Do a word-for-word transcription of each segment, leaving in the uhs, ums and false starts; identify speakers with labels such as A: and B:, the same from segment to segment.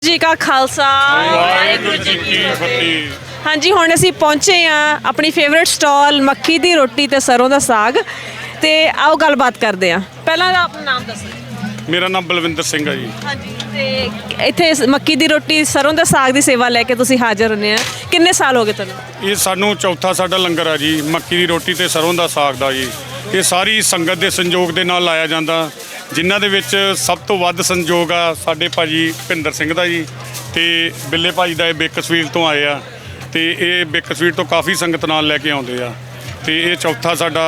A: जी का खालसा वाहिगुरू जी की फतेह। हाँ जी हुण असीं पहुंचे हाँ अपनी फेवरेट स्टॉल मक्की दी रोटी ते सरों दा साग ते आओ गलबात करते हैं। पहला अपना नाम दसो।
B: मेरा नाम बलविंदर सिंह है जी।
A: हाँ जी ते इत्थे मक्की दी रोटी सरों दा साग दी सेवा लैके तुसीं हाज़र होने हैं। किन्ने साल हो गए तुहानूं?
B: ये सानू चौथा साडा लंगर है जी मक्की दी रोटी ते सरों दा साग दा जी। ये सारी संगत के संयोग के नाल लाया जाता जिन्हां दे विच सब तो वध संयोग आ साडे भाजी भुपिंदर सिंह दा जी ते बिल्ले भाजी दा बेकसवीर तो आए आ ते ये बेकसवीर तो काफ़ी संगत नाल लैके आउंदे आ ते ये चौथा साडा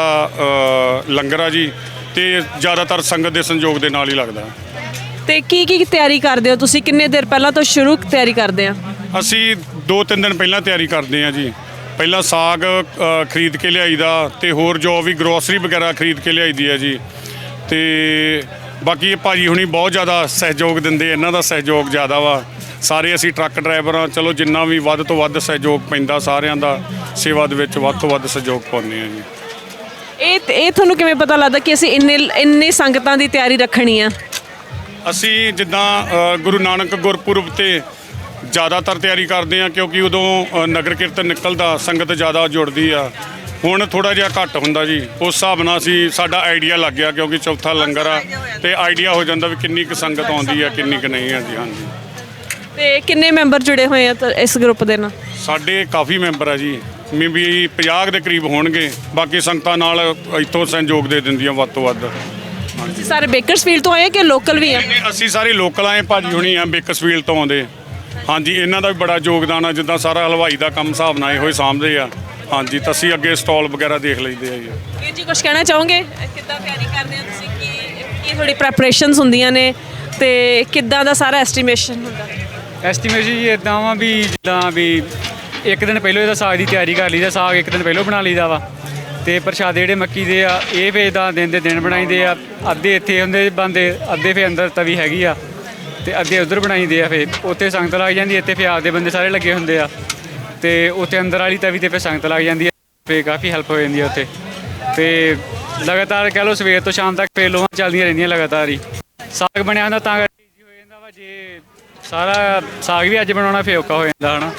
B: लंगर आ जी ते ज़्यादातर संगत के संयोग के नाल ही लगदा।
A: ते की की तैयारी करदे हो तुसीं? किन्ने देर पहलां तो शुरू तैयारी करदे आ?
B: असी दो तीन दिन पहला तैयारी करते हैं जी। पहला साग अ, खरीद के लियाई दा ते होर जो भी ग्रोसरी वगैरह खरीद के लियाई दी है जी। ते बाकी ये भाजी हुणी बहुत ज़्यादा सहयोग दिंदे, इन्हां दा सहयोग ज़्यादा वा। सारे असी ट्रक ड्राइवर हाँ, चलो जिन्ना भी वध तो वध सहयोग पैंदा सारिਆਂ ਦਾ सेवा ਦੇ ਵਿੱਚ ਵੱਧ ਤੋਂ ਵੱਧ सहयोग ਪਾਉਂਦੇ ਹਾਂ ਜੀ।
A: ਇਹ ਇਹ ਤੁਹਾਨੂੰ ਕਿਵੇਂ ਪਤਾ ਲੱਗਦਾ ਕਿ ਅਸੀਂ ਇੰਨੇ ਇੰਨੇ ਸੰਗਤਾਂ ਦੀ ਤਿਆਰੀ ਰੱਖਣੀ ਆ?
B: ਅਸੀਂ ਜਿੱਦਾਂ ਅ, ਗੁਰੂ ਨਾਨਕ ਗੁਰਪੁਰਬ ਤੇ ज़्यादातर ਤਿਆਰੀ ਕਰਦੇ ਹਾਂ ਕਿਉਂਕਿ ਉਦੋਂ ਅ, ਨਗਰ ਕੀਰਤਨ ਨਿਕਲਦਾ ਸੰਗਤ ज़्यादा ਜੁੜਦੀ ਆ। ਹੁਣ ਥੋੜਾ ਜਿਹਾ ਘੱਟ ਹੁੰਦਾ ਜੀ ਉਸ ਹਿਸਾਬ ਨਾਲ ਅਸੀਂ ਸਾਡਾ ਆਈਡੀਆ ਲੱਗ ਗਿਆ ਕਿਉਂਕਿ ਚੌਥਾ ਲੰਗਰ ਆ ਤੇ ਆਈਡੀਆ ਹੋ ਜਾਂਦਾ ਵੀ ਕਿੰਨੀ ਕੁ ਸੰਗਤ ਆਉਂਦੀ ਆ ਕਿੰਨੀ ਕੁ ਨਹੀਂ ਆ ਜੀ। ਹਾਂਜੀ
A: ਤੇ ਕਿੰਨੇ ਮੈਂਬਰ ਜੁੜੇ ਹੋਏ ਆ ਤਾਂ ਇਸ ਗਰੁੱਪ ਦੇ ਨਾਲ?
B: ਸਾਡੇ ਕਾਫੀ ਮੈਂਬਰ ਆ ਜੀ ਮੇ ਵੀ ਪੰਜਾਹ ਦੇ ਕਰੀਬ ਹੋਣਗੇ। ਬਾਕੀ ਸੰਗਤਾਂ ਨਾਲ ਇੱਥੋਂ ਸਹਿਯੋਗ ਦੇ ਦਿੰਦੀਆਂ ਵੱਧ ਤੋਂ ਵੱਧ।
A: ਤੁਸੀਂ ਸਾਰੇ ਬੇਕਰਸਫੀਲਡ ਤੋਂ ਆਏ ਕਿ ਲੋਕਲ ਵੀ ਆ?
B: ਅਸੀਂ ਸਾਰੇ ਲੋਕਲ ਆਏ ਭਾਜੀ ਹੁਣੀ ਆ ਬੇਕਸਫੀਲਡ ਤੋਂ ਆਉਂਦੇ। ਹਾਂਜੀ ਇਹਨਾਂ ਦਾ ਵੀ ਬੜਾ ਯੋਗਦਾਨ ਆ ਜਿੱਦਾਂ ਸਾਰਾ ਹਲਵਾਈ ਦਾ ਕੰਮ ਹਿਸਾਬ ਨਾਲ ਇਹੋ ਹੀ ਸਾਂਭਦੇ ਆ। ਹਾਂਜੀ ਤਾਂ ਅਸੀਂ ਅੱਗੇ ਸਟਾਲ ਵਗੈਰਾ ਦੇਖ ਲਈਦੇ ਆ ਜੀ।
A: ਵੀਰ ਜੀ ਕੁਝ ਕਹਿਣਾ ਚਾਹੋਗੇ? ਕਿੱਦਾਂ ਤਿਆਰੀ ਕਰਦੇ ਆ ਤੁਸੀਂ? ਕੀ ਕੀ ਥੋੜੀ ਪ੍ਰੈਪਰੇਸ਼ਨਸ ਹੁੰਦੀਆਂ ਨੇ ਤੇ ਕਿੱਦਾਂ ਦਾ ਸਾਰਾ ਐਸਟੀਮੇਸ਼ਨ ਹੁੰਦਾ?
C: ਐਸਟੀਮੇਸ਼ਨ ਜੀ ਇੱਦਾਂ ਵਾ ਵੀ ਜਿੱਦਾਂ ਵੀ ਇੱਕ ਦਿਨ ਪਹਿਲਾਂ ਇਹਦਾ ਸਾਗ ਦੀ ਤਿਆਰੀ ਕਰ ਲਈਦਾ। ਸਾਗ ਇੱਕ ਦਿਨ ਪਹਿਲਾਂ ਬਣਾ ਲਈਦਾ ਵਾ ਤੇ ਪ੍ਰਸ਼ਾਦੇ ਜਿਹੜੇ ਮੱਕੀ ਦੇ ਆ ਇਹ ਫਿਰ ਇੱਦਾਂ ਦਿਨ ਦੇ ਦਿਨ ਬਣਾਈਦੇ ਆ। ਅੱਧੇ ਇੱਥੇ ਹੁੰਦੇ ਬਣਦੇ, ਅੱਧੇ ਫਿਰ ਅੰਦਰ ਤਵੀ ਹੈਗੀ ਆ ਤੇ ਅੱਧੇ ਉੱਧਰ ਬਣਾਈਦੇ ਆ। ਫਿਰ ਉੱਥੇ ਸੰਗਤ ਲੱਗ ਜਾਂਦੀ, ਇੱਥੇ ਫਿਰ ਆਪਦੇ ਬੰਦੇ ਸਾਰੇ ਲੱਗੇ ਹੁੰਦੇ ਆ ਤੇ ਉੱਥੇ ਅੰਦਰ ਵਾਲੀ ਤਵੀ ਤੇ ਫਿਰ ਸੰਗਤ ਲੱਗ ਜਾਂਦੀ ਹੈ। ਫਿਰ ਕਾਫੀ ਹੈਲਪ ਹੋ ਜਾਂਦੀ ਹੈ ਉੱਥੇ। ਤੇ ਲਗਾਤਾਰ ਕਹਿ ਲਓ ਸਵੇਰ ਤੋਂ ਸ਼ਾਮ ਤੱਕ ਫਿਰ ਲੋਹਾਂ ਚੱਲਦੀਆਂ ਰਹਿੰਦੀਆਂ ਲਗਾਤਾਰ ਹੀ। ਸਾਗ ਬਣਿਆ ਹੁੰਦਾ ਤਾਂ ਕਰਕੇ ਈਜ਼ੀ ਹੋ ਜਾਂਦਾ ਵਾ। ਜੇ ਸਾਰਾ ਸਾਗ ਵੀ ਅੱਜ ਬਣਾਉਣਾ ਫਿਰ ਔਖਾ ਹੋ ਜਾਂਦਾ ਹੈ ਨਾ।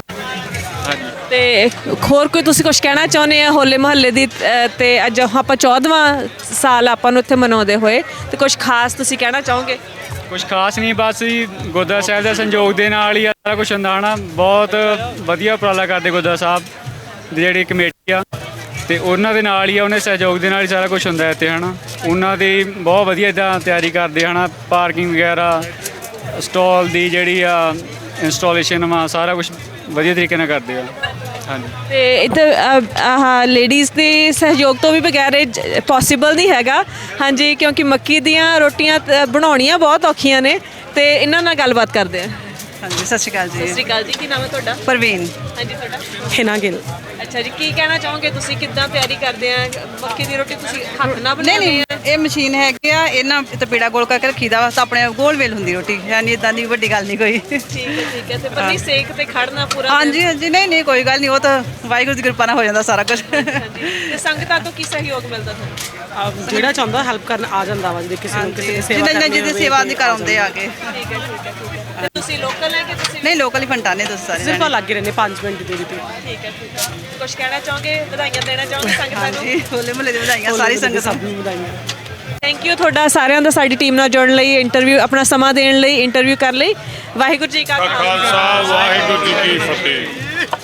C: ਹਾਂਜੀ
A: ਤੇ ਹੋਰ ਕੋਈ ਤੁਸੀਂ ਕੁਝ ਕਹਿਣਾ ਚਾਹੁੰਦੇ ਆ ਹੋਲੇ ਮਹੱਲੇ ਦੀ ਅ, ਤੇ ਅੱਜ ਆਪਾਂ ਚੌਦਵਾਂ ਸਾਲ ਆਪਾਂ ਨੂੰ ਇੱਥੇ ਮਨਾਉਂਦੇ ਹੋਏ ਤੇ ਕੁਝ ਖਾਸ ਤੁਸੀਂ ਕਹਿਣਾ ਚਾਹੋਗੇ?
C: ਕੁਛ ਖਾਸ ਨਹੀਂ, ਬਸ ਜੀ ਗੁਰਦੁਆਰਾ ਸਾਹਿਬ ਦੇ ਸੰਯੋਗ ਦੇ ਨਾਲ ਹੀ ਸਾਰਾ ਕੁਛ ਹੁੰਦਾ ਹੈ ਨਾ। ਬਹੁਤ ਵਧੀਆ ਉਪਰਾਲਾ ਕਰਦੇ ਗੁਰਦੁਆਰਾ ਸਾਹਿਬ ਦੀ ਜਿਹੜੀ ਕਮੇਟੀ ਆ ਤੇ ਉਹਨਾਂ ਦੇ ਨਾਲ ਹੀ ਆ, ਉਹਨਾਂ ਦੇ ਸਹਿਯੋਗ ਦੇ ਨਾਲ ਹੀ ਸਾਰਾ ਕੁਛ ਹੁੰਦਾ ਇੱਥੇ ਹੈ ਨਾ। ਉਹਨਾਂ ਦੀ ਬਹੁਤ ਵਧੀਆ ਇੱਦਾਂ ਤਿਆਰੀ ਕਰਦੇ ਹਨ। ਪਾਰਕਿੰਗ ਵਗੈਰਾ ਸਟਾਲ ਦੀ ਜਿਹੜੀ ਆ ਇੰਸਟਾਲੇਸ਼ਨ ਵਾ ਸਾਰਾ ਕੁਛ ਵਧੀਆ ਤਰੀਕੇ ਨਾਲ ਕਰਦੇ ਆ। ਹਾਂਜੀ
A: ਤੇ ਇੱਥੇ ਆਹ ਲੇਡੀਜ਼ ਦੇ ਸਹਿਯੋਗ ਤੋਂ ਵੀ ਬਗੈਰ ਇਹ ਪੋਸੀਬਲ ਨਹੀਂ ਹੈਗਾ। ਹਾਂਜੀ ਕਿਉਂਕਿ ਮੱਕੀ ਦੀਆਂ ਰੋਟੀਆਂ ਤ- ਬਣਾਉਣੀਆਂ ਬਹੁਤ ਔਖੀਆਂ ਨੇ ਤੇ ਇਹਨਾਂ ਨਾਲ ਗੱਲਬਾਤ ਕਰਦੇ ਆ।
D: ਹਾਂਜੀ ਸਤਿ ਸ਼੍ਰੀ ਅਕਾਲ
A: ਸਤਿ
D: ਜੀ।
A: ਸ਼੍ਰੀ ਅਕਾਲ ਜੀ, ਕੀ ਨਾਮ ਹੈ ਤੁਹਾਡਾ?
D: ਪ੍ਰਵੀਨ
A: ਹਾਂਜੀ ਤੁਹਾਡਾ?
D: ਹਿਨਾ ਗਿੱਲ।
A: ਅੱਛਾ ਜੀ, ਕੀ ਕਹਿਣਾ ਚਾਹੋਗੇ ਤੁਸੀਂ? ਕਿੱਦਾਂ ਤਿਆਰੀ ਕਰਦੇ ਆ ਮੱਕੀ ਦੀ ਰੋਟੀ? ਤੁਸੀਂ ਹੱਥ ਨਾਲ
D: ਨਹੀਂ
A: ਬਣਾਉਂਦੇ
D: ਨਹੀਂ
A: ਆ?
D: ਇਹ ਮਸ਼ੀਨ ਹੈਗੀ ਆ, ਇਹਨਾਂ ਤੇ ਪੀੜਾ ਗੋਲ ਕਰਕੇ ਰੱਖੀਦਾ ਵਾ ਤਾਂ ਆਪਣੇ ਗੋਲ ਵੇਲ ਹੁੰਦੀ ਰੋਟੀ। ਯਾਨੀ ਇਦਾਂ ਦੀ ਵੱਡੀ ਗੱਲ ਨਹੀਂ ਕੋਈ।
A: ਠੀਕ ਹੈ ਠੀਕ ਹੈ। ਤੇ ਪਰ ਨਹੀਂ ਸੇਕ ਤੇ ਖੜਨਾ ਪੂਰਾ?
D: ਹਾਂਜੀ ਹਾਂਜੀ ਨਹੀਂ ਨਹੀਂ ਕੋਈ ਗੱਲ ਨਹੀਂ, ਉਹ ਤਾਂ ਵਾਹਿਗੁਰੂ ਦੀ ਕਿਰਪਾ ਨਾਲ ਹੋ ਜਾਂਦਾ ਸਾਰਾ ਕੁਝ।
A: ਹਾਂਜੀ ਤੇ ਸੰਗਤਾਂ ਤੋਂ ਕੀ ਸਹਿਯੋਗ ਮਿਲਦਾ ਤੁਹਾਨੂੰ?
E: ਜਿਹੜਾ ਚਾਹੁੰਦਾ ਹੈਲਪ ਕਰਨ ਆ ਜਾਂਦਾ ਵਾ। ਜੇ ਕਿਸੇ ਨੂੰ ਕਿਸੇ ਦੀ ਸੇਵਾ
D: ਜਿੰਨਾ
E: ਕਰਨੀ
D: ਜਿਹਦੇ
E: ਹੋਵੇ
D: ਸੇਵਾ
E: ਤੇ
D: ਦੀ ਕਰਾਉਂਦੇ ਆ ਕੇ।
A: ਠੀਕ ਹੈ ਠੀਕ ਹੈ ਠੀਕ ਹੈ। ਤੇ ਤੁਸੀਂ ਲੋਕਲ ਹੈ ਕਿ ਤੁਸੀਂ?
D: ਨਹੀਂ ਲੋਕਲ ਹੀ ਫੰਟਾਨੇ ਦੱਸ ਸਾਰੇ
E: ਸਿਰਫ
D: ਜਾਣੇ।
E: ਲੱਗੇ ਰਹਿੰਦੇ ਪੰਜ ਮਿੰਟ ਦੇ ਵਿੱਚ।
A: ਠੀਕ ਹੈ ਠੀਕ ਹੈ। ਕੁਝ ਕਹਿਣਾ ਚਾਹੋਗੇ? ਵਧਾਈਆਂ ਦੇਣਾ ਚਾਹੋਗੇ ਸੰਗਤਾਂ ਨੂੰ?
D: ਹਾਂਜੀ ਹੋਲੇ ਮਹੱਲੇ ਦੀ ਵਧਾਈਆਂ ਸਾਰੀ ਸੰਗਤ
E: ਸਭ
D: ਨੂੰ।
E: ਨੂੰ ਵਧਾਈਆਂ।
A: ਥੈਂਕ ਯੂ ਤੁਹਾਡਾ ਸਾਰਿਆਂ ਦਾ ਸਾਡੀ ਟੀਮ ਨਾਲ ਜੁੜਨ ਲਈ, ਇੰਟਰਵਿਊ ਆਪਣਾ ਸਮਾਂ ਦੇਣ ਲਈ, ਇੰਟਰਵਿਊ ਕਰਨ ਲਈ। ਵਾਹਿਗੁਰੂ ਜੀ ਕਾ
B: ਖਾਲਸਾ ਵਾਹਿਗੁਰੂ ਜੀ ਕੀ ਫਤਿਹ।